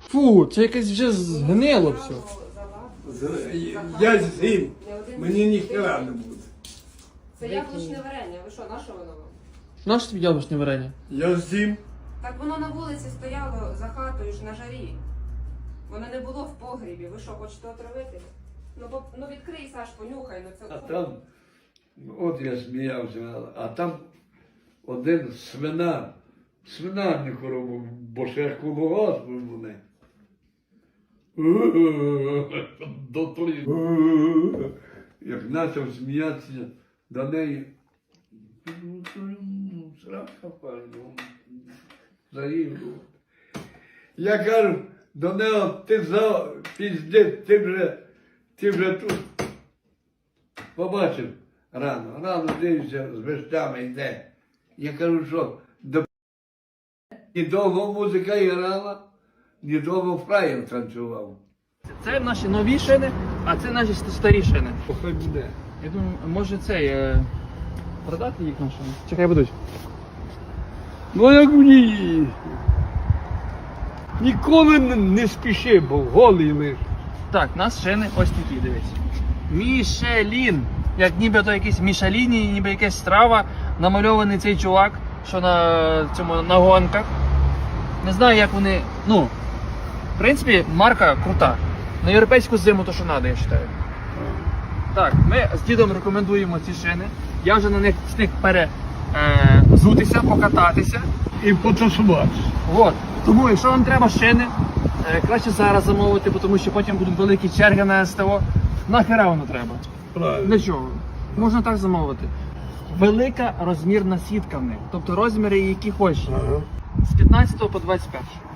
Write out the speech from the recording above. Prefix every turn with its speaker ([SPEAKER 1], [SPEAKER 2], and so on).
[SPEAKER 1] Фу, це якесь вже згнило все.
[SPEAKER 2] Я з'їм, мені ніхера не буде.
[SPEAKER 3] Це яблучне варення. Ви що, на що воно вам?
[SPEAKER 1] Нащо тобі яблучне варення?
[SPEAKER 2] Я з'їм.
[SPEAKER 3] Так воно на вулиці стояло за хатою ж на жарі. Воно не було в погрібі. Ви що, хочете отравити? Ну відкрий, Саш, понюхай. Ну
[SPEAKER 4] А
[SPEAKER 3] це...
[SPEAKER 4] там, от я сміявся, а там один свинарник робив, бо ще колгосп вони. Як почав сміятися до неї, срака пальну, заїв. Я кажу до нього, ти піздець, ти вже тут. Побачив рано дивився, з вещами йде. Я кажу, що ні довго музика грала, ні довго фраєр танцював.
[SPEAKER 1] Це наші нові шини, а це наші старі шини.
[SPEAKER 4] Хай буде.
[SPEAKER 1] Я думаю, може цей продати їх на шини? Чекай будуть.
[SPEAKER 4] Ну як мені? Ніколи не спіши, бо голий лиш.
[SPEAKER 1] Так, у нас шини ось такі, дивись. Мішелін. Як ніби то якийсь Мішеліні, ніби якась страва. Намальований цей чувак, що на гонках. Не знаю, як вони. Ну, в принципі, марка крута. На європейську зиму то що треба, я вважаю. Так, ми з дідом рекомендуємо ці шини. Я вже на них встиг перезутися, покататися.
[SPEAKER 4] І потасувати.
[SPEAKER 1] От. Тому, якщо вам треба шини, краще зараз замовити, тому що потім будуть великі черги на СТО. Нахера воно треба?
[SPEAKER 4] Правильно.
[SPEAKER 1] Для чого? Можна так замовити. Велика розмірна сітка в них. Тобто розміри, які хочеш.
[SPEAKER 4] Ага.
[SPEAKER 1] З 15 по 21.